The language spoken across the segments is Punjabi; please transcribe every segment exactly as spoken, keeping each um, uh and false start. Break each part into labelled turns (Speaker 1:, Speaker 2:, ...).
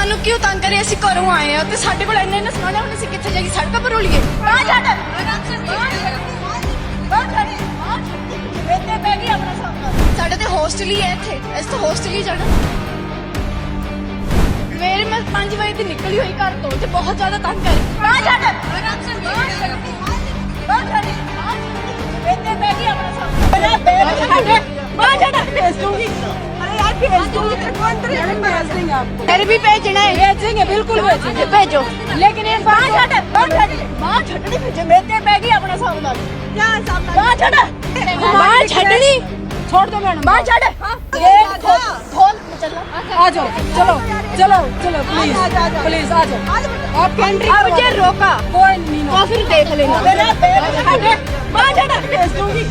Speaker 1: ਸਾਨੂੰ ਕਿਉਂ ਤੰਗ ਕਰੇ? ਅਸੀਂ ਘਰੋਂ ਆਏ ਆ ਤੇ ਸਾਡੇ ਕੋਲ ਇੰਨੇ ਇੰਨੇ ਸਮਾਨ ਹੈ, ਹੁਣ ਅਸੀਂ ਕਿੱਥੇ ਜਾਈਏ? ਸੜਕਾਂ ਪਰ ਰੋਲੀਏ? ਬਾਹਰ ਛੱਡ ਬਾਹਰ ਛੱਡ ਇੱਥੇ ਬਹਿ ਗਈ ਆਪਣਾ ਸਾਹਮਣਾ। ਸਾਡੇ ਤੇ ਹੋਸਟਲ ਹੀ ਹੈ ਇੱਥੇ, ਅਸੀਂ ਤਾਂ ਹੋਸਟਲ ਹੀ ਜਾਣਾ। ਮੇਰੇ ਮੈਂ ਪੰਜ ਵਜੇ ਦੀ ਨਿਕਲੀ ਹੋਈ ਘਰ ਤੋਂ ਤੇ ਬਹੁਤ ਜ਼ਿਆਦਾ ਤੰਗ ਕਰ। ਬਾਹਰ ਛੱਡ ਬਾਹਰ ਛੱਡ ਇੱਥੇ ਬਹਿ ਗਈ ਆਪਣਾ ਸਾਹਮਣਾ। बाहर छड़ भेज दूंगी। अरे यार भेज दूंगी तेरे को अंदर भेज देंगे आपको। फिर भी भेजना है? भेजेंगे बिल्कुल भेजेंगे, भेजो। लेकिन ये बाहर छड़ बाहर छड़ बाहर छड़नी भेजे मेरे बैग ही अपना सामना क्या सामना बाहर छड़ बाहर छड़नी छोड़ दो मैडम। बाहर छड़ ये खोल खोल चलो आ जाओ चलो चलो चलो प्लीज प्लीज आ जाओ। आप कंट्री अब मुझे रोका कोई नहीं तो फिर देख लेना। मेरा बैग बाहर छड़ भेज दूंगी।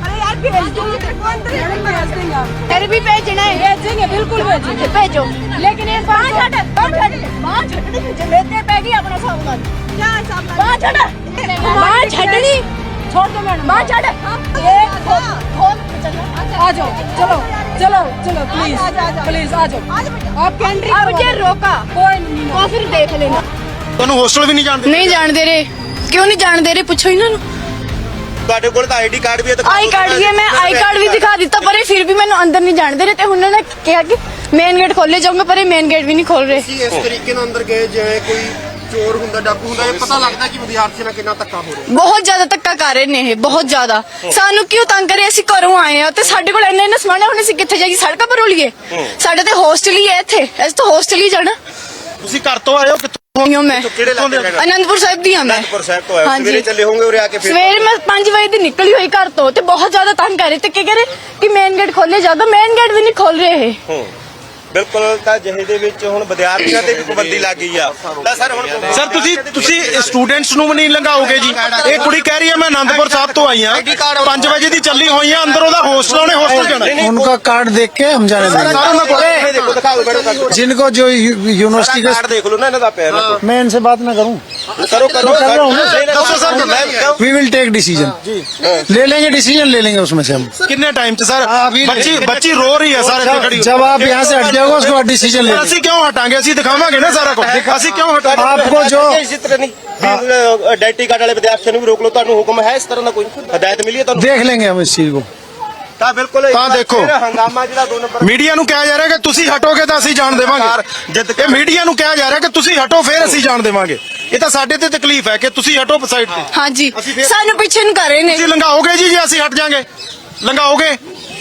Speaker 1: भेज दूंगी तेरे को अंदर भेज देंगे आप। फिर भी भेजना है? भेजेंगे बिल्कुल भेजेंगे, भेजो। लेकिन ये बाहर छड़ बाहर छड़ बाहर छड़नी भेजे मेरे बैग ही अपना सामना क्या सामना बाहर छड़ बाहर छड़नी छोड़ दो मैडम। बाहर छड़ ये खोल खोल चलो आ जाओ चलो चलो चलो प्लीज प्लीज आ जाओ। आप कंट्री अब मुझे रोका कोई नहीं तो फिर देख लेना।
Speaker 2: ਤੁਹਾਨੂੰ ਹੋਸਟਲ ਵੀ ਨਹੀਂ ਜਾਣਦੇ?
Speaker 1: नहीं जान दे रहे। क्यों नहीं जान दे रहे? पूछो इन्हां ਨੂੰ।
Speaker 2: ਤੁਹਾਡੇ ਕੋਲ ਤਾਂ ਆਈਡੀ ਕਾਰਡ ਵੀ ਹੈ।
Speaker 1: आई कार्ड भी है, मैं आई कार्ड भी दिखा दिता पर ये फिर भी मैंने अंदर नहीं जाने दे रहे थे। उन्होंने कहा कि मेन गेट खोले जाऊंगा पर ये मेन गेट भी नहीं खोल रहे।
Speaker 2: ਇਸ ਤਰੀਕੇ ਨਾਲ ਅੰਦਰ ਗਏ ਜਿਵੇਂ ਕੋਈ ਚੋਰ ਹੁੰਦਾ ਡਾਕੂ ਹੁੰਦਾ, ਇਹ ਪਤਾ ਲੱਗਦਾ ਕਿ ਵਿਦਿਆਰਥੀ ਨਾਲ ਕਿੰਨਾ ਧੱਕਾ ਹੋ ਰਿਹਾ।
Speaker 1: बहुत ज्यादा धक्का कर रहे ने, बहुत ज्यादा। सानू क्यों तंग करे? ਅਸੀਂ ਘਰੋਂ ਆਏ ਆ ਤੇ ਸਾਡੇ ਕੋਲ ਇੰਨੇ ਇੰਨੇ ਸਮਾਨ ਹੈ, ਹੁਣ ਅਸੀਂ ਕਿੱਥੇ ਜਾਈਏ? ਸੜਕਾਂ ਪਰ ਰੋਲੀਏ? ਸਾਡੇ ਤੇ ਹੋਸਟਲ ਹੀ ਹੈ ਇੱਥੇ, ਅਸੀਂ ਤਾਂ ਹੋਸਟਲ ਹੀ ਜਾਣਾ।
Speaker 2: ਤੁਸੀਂ ਘਰ ਤੋਂ ਆਏ ਹੋ ਕਿੱਥੋਂ?
Speaker 1: मैं आनंदपुर साहिब दी हाँ मैं
Speaker 2: आनंदपुर साहिब तो आए सवेरे चले होंगे और आके फिर
Speaker 1: सवेरे मैं पांच बजे दी निकली हुई घर तो ते बहुत ज्यादा तंग कर रहे थे कि कह रहे कि मेन गेट खोले जाओ, मेन गेट भी नहीं खोल रहे हैं।
Speaker 2: ਬਿਲਕੁਲ ਤਾਂ ਜਿਹੇ ਦੇ ਵਿੱਚ ਹੁਣ ਵਿਦਿਆਰਥੀਆਂ ਤੇ ਵੀ ਪਾਬੰਦੀ ਲੱਗ ਗਈ ਆ ਤਾਂ ਸਰ ਹੁਣ ਸਰ ਤੁਸੀਂ ਤੁਸੀਂ ਸਟੂਡੈਂਟਸ ਨੂੰ ਵੀ ਨਹੀਂ ਲੰਘਾਓਗੇ ਜੀ? ਇਹ ਕੁੜੀ ਕਹਿ ਰਹੀ ਹੈ ਮੈਂ ਆਨੰਦਪੁਰ ਸਾਹਿਬ ਤੋਂ ਆਈ ਆ, ਪੰਜ ਵਜੇ ਦੀ ਚੱਲੀ ਹੋਈ ਆ, ਅੰਦਰ ਉਹਦਾ ਹੋਸਟਲ ਉਹਨੇ ਹੋਸਟਲ ਜਾਣਾ।
Speaker 3: उनका कार्ड देख के हम जाने देंगे।
Speaker 2: ਦੇਖੋ ਦਿਖਾ ਦਿਓ ਮੈਡਮ
Speaker 3: जिनको जो यूनिवर्सिटी का
Speaker 2: ਕਾਰਡ ਦੇਖ ਲਓ ਨਾ ਇਹਨਾਂ ਦਾ ਪਿਆ।
Speaker 3: मैं इनसे बात ना करूं?
Speaker 2: ਕਰੋ ਕਰੋ
Speaker 3: कर रहा हूं ना।
Speaker 2: ਦੱਸੋ ਸਰ ਮੈਂ
Speaker 3: वी विल टेक डिसीजन, ले लेंगे डिसीजन, ले लेंगे उसमें से हम।
Speaker 2: ਕਿੰਨੇ ਟਾਈਮ ਚ ਸਰ? ਬੱਚੀ ਬੱਚੀ ਰੋ ਰਹੀ ਹੈ ਸਾਰੇ ਇੱਥੇ ਖੜੀ।
Speaker 3: जब आप यहाँ से हट जाओगे उसके बाद डिसीजन ले लेंगे।
Speaker 2: ਅਸੀਂ ਕਿਉਂ ਹਟਾਂਗੇ? ਅਸੀਂ ਦਿਖਾਵਾਂਗੇ ਨਾ ਸਾਰਾ ਕੁਝ। ਅਸੀਂ ਕਿਉਂ ਹਟਾਂਗੇ?
Speaker 3: आपको जो
Speaker 2: ਇਸੇ ਤਰ੍ਹਾਂ ਨਹੀਂ ਆਈਡੈਂਟੀ ਕਾਰਡ ਵਾਲੇ ਵਿਦਿਆਰਥੀਆਂ ਨੂੰ ਵੀ ਰੋਕ ਲਓ। ਤੁਹਾਨੂੰ ਹੁਕਮ ਹੈ ਇਸ ਤਰ੍ਹਾਂ ਦਾ ਕੋਈ ਹਦਾਇਤ ਮਿਲੀ ਹੈ ਤੁਹਾਨੂੰ?
Speaker 3: देख लेंगे हम इस चीज को।
Speaker 2: ਤਾਂ ਬਿਲਕੁਲ
Speaker 3: ਤਾਂ ਦੇਖੋ
Speaker 2: ਹੰਗਾਮਾ ਜਿਹੜਾ ਦੋ ਨੰਬਰ
Speaker 3: ਮੀਡੀਆ ਨੂੰ ਕਿਹਾ ਜਾ ਰਿਹਾ ਕਿ ਤੁਸੀਂ ਹਟੋਗੇ ਤਾਂ ਅਸੀਂ ਜਾਣ ਦੇਵਾਂਗੇ।
Speaker 2: ਜਿੱਦ
Speaker 3: ਇਹ ਮੀਡੀਆ ਨੂੰ ਕਿਹਾ ਜਾ ਰਿਹਾ ਕਿ ਤੁਸੀਂ ਹਟੋ ਫਿਰ ਅਸੀਂ ਜਾਣ ਦੇਵਾਂਗੇ। ਇਹ ਤਾਂ ਸਾਡੇ ਤੇ ਤਕਲੀਫ ਹੈ ਕਿ ਤੁਸੀਂ ਹਟੋ ਸਾਈਡ ਤੇ।
Speaker 1: हाँ जी सानू पीछे नहीं कर रहे ने।
Speaker 3: ਤੁਸੀਂ ਲੰਘਾਓਗੇ ਜੀ ਜੇ ਅਸੀਂ ਹਟ ਜਾਾਂਗੇ? ਲੰਘਾਓਗੇ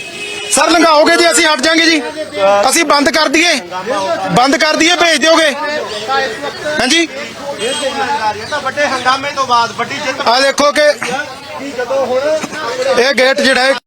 Speaker 3: ਸਰ? ਲੰਘਾਓਗੇ ਜੀ ਅਸੀਂ ਹਟ ਜਾਾਂਗੇ ਜੀ? ਅਸੀਂ ਬੰਦ ਕਰ ਦਈਏ? ਬੰਦ ਕਰ ਦਈਏ ਭੇਜ ਦਿਓਗੇ? ਹਾਂਜੀ
Speaker 2: ਵੱਡੇ ਹੰਗਾਮੇ ਤੋਂ ਬਾਅਦ ਵੱਡੀ ਜਿੱਤ
Speaker 3: ਆ ਦੇਖੋ ਕਿ
Speaker 2: ਜਦੋਂ ਹੁਣ
Speaker 3: ਇਹ ਗੇਟ ਜਿਹੜਾ ਹੈ